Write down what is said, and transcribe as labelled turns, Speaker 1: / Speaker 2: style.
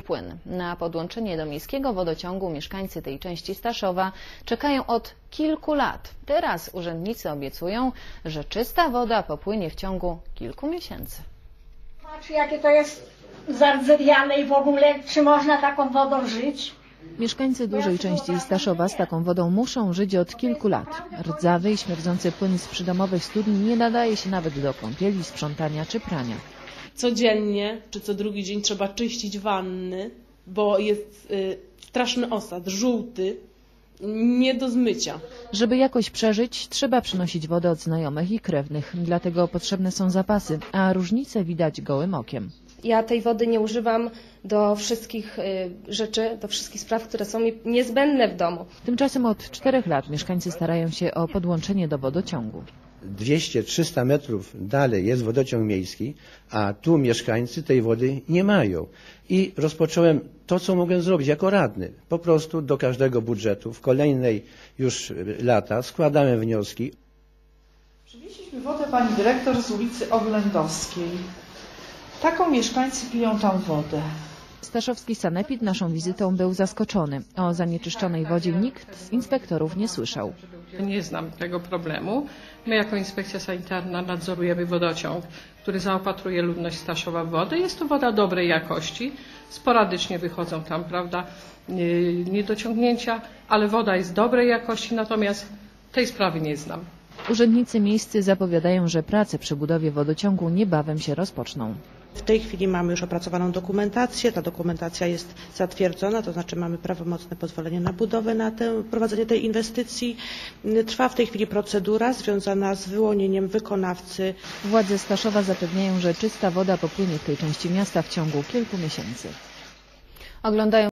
Speaker 1: płyn. Na podłączenie do miejskiego wodociągu mieszkańcy tej części Staszowa czekają od kilku lat. Teraz urzędnicy obiecują, że czysta woda popłynie w ciągu kilku miesięcy.
Speaker 2: Patrz, jakie to jest zardzewiane i w ogóle, czy można taką wodą żyć?
Speaker 3: Mieszkańcy dużej części Staszowa z taką wodą muszą żyć od kilku lat. Rdzawy i śmierdzący płyn z przydomowych studni nie nadaje się nawet do kąpieli, sprzątania czy prania.
Speaker 4: Codziennie czy co drugi dzień trzeba czyścić wanny, bo jest straszny osad, żółty, nie do zmycia.
Speaker 3: Żeby jakoś przeżyć, trzeba przynosić wodę od znajomych i krewnych. Dlatego potrzebne są zapasy, a różnice widać gołym okiem.
Speaker 5: Ja tej wody nie używam do wszystkich rzeczy, do wszystkich spraw, które są mi niezbędne w domu.
Speaker 3: Tymczasem od 4 lat mieszkańcy starają się o podłączenie do wodociągu.
Speaker 6: 200-300 metrów dalej jest wodociąg miejski, a tu mieszkańcy tej wody nie mają. I rozpocząłem to, co mogłem zrobić jako radny. Po prostu do każdego budżetu w kolejnej już lata składałem wnioski.
Speaker 7: Przywieźliśmy wodę pani dyrektor z ulicy Oględowskiej. Taką mieszkańcy piją tam wodę.
Speaker 3: Staszowski sanepid naszą wizytą był zaskoczony. O zanieczyszczonej wodzie nikt z inspektorów nie słyszał.
Speaker 8: Nie znam tego problemu. My jako inspekcja sanitarna nadzorujemy wodociąg, który zaopatruje ludność Staszowa w wodę. Jest to woda dobrej jakości. Sporadycznie wychodzą tam, prawda, niedociągnięcia, ale woda jest dobrej jakości, natomiast tej sprawy nie znam.
Speaker 3: Urzędnicy miejscy zapowiadają, że prace przy budowie wodociągu niebawem się rozpoczną.
Speaker 9: W tej chwili mamy już opracowaną dokumentację, ta dokumentacja jest zatwierdzona, to znaczy mamy prawomocne pozwolenie na budowę, na prowadzenie tej inwestycji. Trwa w tej chwili procedura związana z wyłonieniem wykonawcy.
Speaker 3: Władze Staszowa zapewniają, że czysta woda popłynie w tej części miasta w ciągu kilku miesięcy.
Speaker 1: Oglądają